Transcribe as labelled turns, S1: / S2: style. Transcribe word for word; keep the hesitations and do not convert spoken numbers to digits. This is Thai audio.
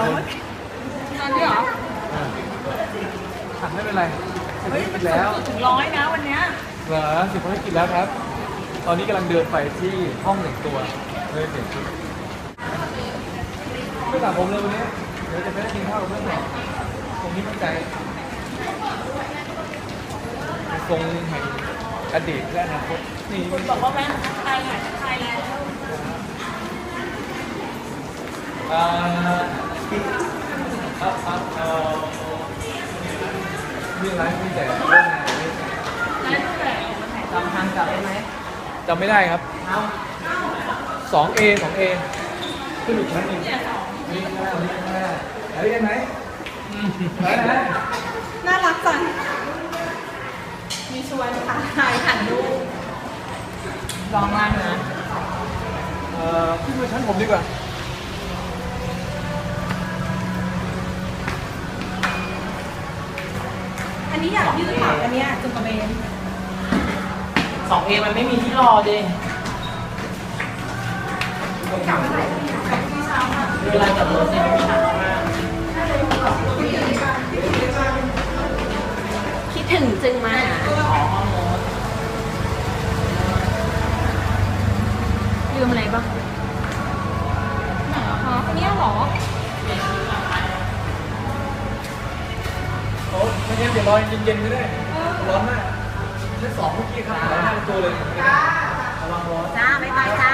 S1: ตอนนี้เหรอ
S2: ขัดไม่เป็นไร
S1: เฮ้ยมัน
S2: แล้ว
S1: ถึงร้อยนะวันเนี้ย
S2: เหรอสิบภารกิจแล้วครับตอนนี้กำลังเดินไปที่ห้องหนึ่งตัวเลยเปลี่ยนชุดไม่สระผมเลยวันนี้เดี๋ยวจะไปกินข้าวกับเพื่อนต่อตรงนี้มั่นใจทรงแห่งอดีตและอนาคตนี่
S1: คุณบอกว่าแม่ไทยหายไทยแล้ว
S2: อ่าอ่าอ่าเอ่อมีร้านมีแต่เรื่องงานนี่
S1: นั่นแต่จำทางกลับได้ไหม
S2: จำไม่ได้ครับ
S1: เอา
S2: สองเอสองเอขึ้นอีกชั้นหนึ่งนี่ข้างหน้านี่ข้างหน้าไหนได้ไหมไหนไหน
S1: น่ารักจังมีชวนค่ะถ่ายหันดูลองมานะ
S2: เอ่อขึ้นมาชั้นผมดีกว่า
S1: อันนี้อยากยืดขาอันนี้จุกกระเบน
S3: สองเอมันไม่มีที่รอดิ
S1: กลับเมื่อไหร่ที่เช้าค่ะ
S3: เวลาจับรถเนี่ยมันมีหนักมาก
S1: คิดถึงจึงมาหา
S3: อ๋อข้อมูล
S1: ลืมอะไรบ้างไหนอะคะอันนี้เหรอ
S2: โอ้ไม่งั้นเดี๋ยวรอเย็นๆไม่ได้ร้อนมากชั้นสองเมื่อกี้ครับร้อนมากตัวเลยระวังร้อน
S1: จ้าไม่ไปจ้า